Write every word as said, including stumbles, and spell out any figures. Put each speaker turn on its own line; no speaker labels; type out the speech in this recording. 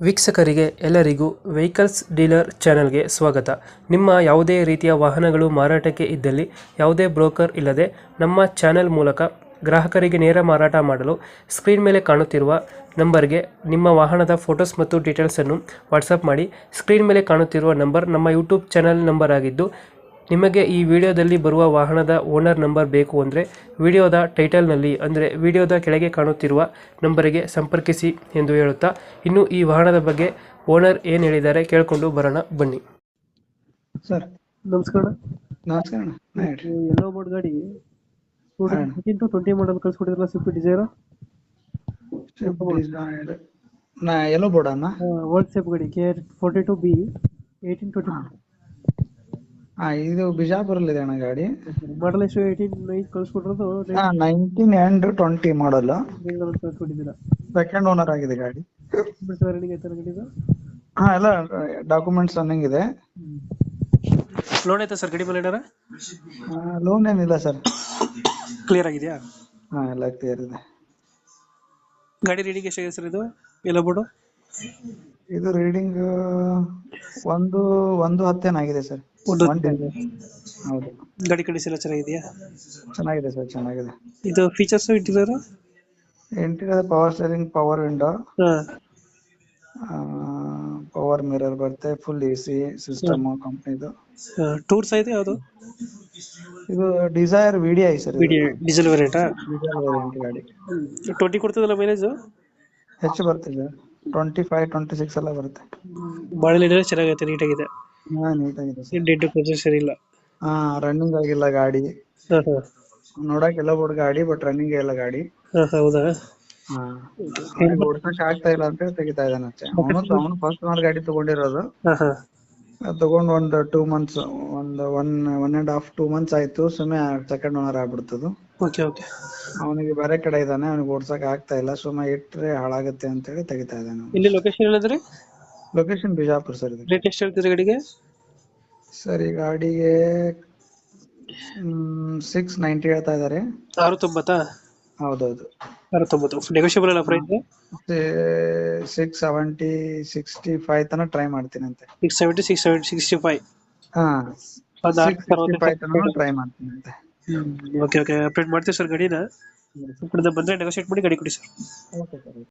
ವೀಕ್ಷಕರಿಗೆ ಎಲ್ಲರಿಗೂ vehicles dealer ಚಾನೆಲ್ಗೆ ಸ್ವಾಗತ. ನಿಮ್ಮ ಯಾವುದೇ ರೀತಿಯ ವಾಹನಗಳು ಮಾರಾಟಕ್ಕೆ ಇದ್ದಲ್ಲಿ ಯಾವುದೇ ಬ್ರೋಕರ್ ಇಲ್ಲದೆ ನಮ್ಮ ಚಾನೆಲ್ ಮೂಲಕ ಗ್ರಾಹಕರಿಗೆ ನೇರ ಮಾರಾಟ ಮಾಡಲು ಸ್ಕ್ರೀನ್ ಮೇಲೆ ಕಾಣುತ್ತಿರುವ ನಂಬರ್ಗೆ ನಿಮ್ಮ ವಾಹನದ ಫೋಟೋಸ್ ಮತ್ತು ಡೀಟೇಲ್ಸನ್ನು ವಾಟ್ಸಪ್ ಮಾಡಿ. ಸ್ಕ್ರೀನ್ ಮೇಲೆ ಕಾಣುತ್ತಿರುವ ನಂಬರ್ ನಮ್ಮ ಯೂಟ್ಯೂಬ್ ಚಾನೆಲ್ ನಂಬರ್ ಆಗಿದ್ದು, ನಿಮಗೆ ಈ ವಿಡಿಯೋದಲ್ಲಿ ಬರುವ ವಾಹನದ ಓನರ್ ನಂಬರ್ ಬೇಕು ಅಂದರೆ ವಿಡಿಯೋದ ಟೈಟಲ್ನಲ್ಲಿ ಅಂದರೆ ವಿಡಿಯೋದ ಕೆಳಗೆ ಕಾಣುತ್ತಿರುವ ನಂಬರಿಗೆ ಸಂಪರ್ಕಿಸಿ ಎಂದು ಹೇಳುತ್ತಾ, ಇನ್ನು ಈ ವಾಹನದ ಬಗ್ಗೆ ಓನರ್ ಏನು ಹೇಳಿದ್ದಾರೆ ಕೇಳಿಕೊಂಡು ಬರೋಣ ಬನ್ನಿ.
ಸರ್
ನಮಸ್ಕಾರ.
ನಮಸ್ಕಾರ ಅಣ್ಣ. ಹಾ, ಹೇಳ್ರಿ.
ಎಲ್ಲೋ ಬೋರ್ಡ್ ಗಾಡಿ ಫೋರ್ಟೀನ್ ಟು ಟ್ವೆಂಟಿ ಮಾಡಲ್ ಕಳ್ಸಿಕೊಟ್ಟಿದ್ರಲ್ಲ, ಸ್ವಿಫ್ಟ್ ಡಿಸೈರ್
Swift Desire. ನಾ ಎಲ್ಲೋ ಬೋರ್ಡ್ ಅಣ್ಣ.
ಓಲ್ಡ್ ಸೇಫ್ ಗಾಡಿ K forty two B eighteen twenty
ಹಾ, ಇದು ಬಿಜಾಪುರಲ್ಲಿ ಇದೆ ಅಣ್ಣ ಗಾಡಿ.
ಮಾಡಲ್ ಎಷ್ಟು ಏಯ್ಟೀನ್ ನೈನ್ ಕಳ್ಸಿಕೊಟ್ಟಿರೋದು
ಹಾ, ನೈನ್ಟೀನ್ ಅಂಡ್ ಟ್ವೆಂಟಿ ಮಾಡಲ್.
ಕಳ್ಸಿಕೊಟ್ಟಿದ್ದೀರಾ.
ಸೆಕೆಂಡ್ ಓನರ್ ಆಗಿದೆ ಗಾಡಿ.
ರನ್ನಿಂಗ್ ಆಯ್ತಾರ ಗಾಡಿದು?
ಹಾ, ಎಲ್ಲ ಡಾಕ್ಯುಮೆಂಟ್ಸ್ ರನ್ನಿಂಗ್ ಇದೆ.
ಲೋನ್ ಆಯ್ತಾ ಸರ್ ಗಾಡಿ ಮೇಲೆ ಏನಾರ?
ಲೋನ್ ಏನಿಲ್ಲ ಸರ್.
ಕ್ಲಿಯರ್ ಆಗಿದೆಯಾ?
ಹಾ, ಎಲ್ಲ ಕ್ಲಿಯರ್ ಇದೆ.
ಗಾಡಿ ರೀಡಿಂಗ್ ಎಷ್ಟಾಗಿದೆ ಸರ್ ಇದು ಎಲ್ಲ ಬೋರ್ಡು?
ಇದು ರೀಡಿಂಗ್ ಒಂದು ಒಂದು ಹತ್ತೇನಾಗಿದೆ ಸರ್.
ಒಂದು
ಒನ್ ಟೆನ್. ಹೌದು.
ಗಾಡಿ ಕಂಡೀಷನ್ ಎಲ್ಲ ಚೆನ್ನಾಗಿದೆಯಾ?
ಚೆನ್ನಾಗಿದೆ ಸರ್, ಚೆನ್ನಾಗಿದೆ.
ಇದು features interior?
Interior power steering, power window,
ಹಾಂ,
ಪವರ್ ಮಿರರ್ ಬರುತ್ತೆ, ಫುಲ್ ಎ ಸಿ ಸಿಸ್ಟಮ್ ಕಂಪ್ನಿದು.
ಟೂರ್ಸ್ ಐತೆ ಯಾವುದು?
ಇದು Dzire V D I sir.
Diesel ವೇರಿಯಂಟಾ?
ಡೀಸೆಲ್ ವೇರಿಯಂಟ್ ಗಾಡಿ.
ಟ್ವೆಂಟಿ ಕೊಡ್ತದಲ್ಲ ಮೈಲೇಜ್?
ಹೆಚ್ಚು ಬರ್ತಿದೆ, ಟ್ವೆಂಟಿ ಫೈವ್ ಟ್ವೆಂಟಿ ಸಿಕ್ಸ್ ಎಲ್ಲ ಬರುತ್ತೆ.
ಬಾಳೆ ಚೆನ್ನಾಗೈತೆ, ನೀಟಾಗಿದೆ.
ಹಾ, ನೀಟಾಗಿದೆ ಸರ್.
ಡೆಡ್ ಪ್ರೊಸೆಸರ್ ಇಲ್ಲ.
ಹಾ, ರನ್ನಿಂಗ್ ಆಗಿಲ್ಲ ಗಾಡಿ.
ಹಾಂ ಹಾಂ
ನೋಡಕ್ ಎಲ್ಲ ಬೋರ್ಡ್ ಗಾಡಿ, ಬಟ್ ರನ್ನಿಂಗ್ ಇಲ್ಲ ಗಾಡಿ.
ಹಾಂ ಹೌದಾ?
ಹಾ, ಓಡ್ಸಕ್ ಆಗ್ತಾ ಇಲ್ಲ ಅಂತ ಹೇಳಿ ತೆಗಿತಾ ಇದ್ದಾನೆ ಅಷ್ಟೇ. ಅವನು ಅವನು ಫಸ್ಟ್ ಓನರ್ ಗಾಡಿ ತಗೊಂಡಿರೋದು.
ಹಾಂ ಹಾಂ
ಅದ್ ತಗೊಂಡ್ ಒಂದ್ ಟೂ ಮಂತ್ಸ್ ಒಂದ್ one one and half two months ಆಯ್ತು. ಸುಮ್ಮನೆ ಸೆಕೆಂಡ್ ಓನರ್ ಆಗ್ಬಿಡ್ತದು.
Okay okay.
ಅವನಿಗೆ ಬೇರೆ ಕಡೆ ಇದ್ದಾನೆ, ಅವನಿಗೆ ಓಡ್ಸಕ್ ಆಗ್ತಾ ಇಲ್ಲ. ಸುಮ್ಮನೆ ಇಟ್ರೆ ಹಾಳಾಗುತ್ತೆ ಅಂತ ಹೇಳಿ ತೆಗಿತಾ ಇದ್ದಾನೆ.
ಇಲ್ಲಿ ಲೊಕೇಶನ್ ಹೇಳಿದ್ರಿ?
Location Bijapur sir. ಇದು
ರೇಟ್ ಎಷ್ಟು ಹೇಳ್ತೀರಿ ಗಾಡಿಗೆ?
ಸರ್, ಈ ಗಾಡಿಗೆ ಸಿಕ್ಸ್ ನೈಂಟಿ ಹೇಳ್ತಾ ಇದಾರೆ.
ಆರು ತೊಂಬತ್ತಾ?
ಹೌದೌದು.
ಆರು ತೊಂಬತ್ತು ನೆಗೋಷಿಯಬಲ್ ಅಲ್ಲ price?
Six seventy sixty five ತನಕ ಟ್ರೈ ಮಾಡ್ತೀನಿ ಅಂತೆ.
Six seventy six seventy sixty five
ಹಾ,
ಒಂದು
ಸಿಕ್ಸ್ ಸಿಕ್ಸ್ಟಿ ಫೈವ್ ತನಕ ಟ್ರೈ ಮಾಡ್ತೀನಿ ಅಂತೆ.
Okay okay. ಅಪ್ಡೇಟ್ ಮಾಡ್ತೀವಿ ಸರ್ ಗಾಡಿನ. ಬಂದರೆ ನೆಗೋಷಿಯೇಟ್ ಮಾಡಿ ಗಾಡಿ ಕೊಡಿ ಸರ್.
Okay sir.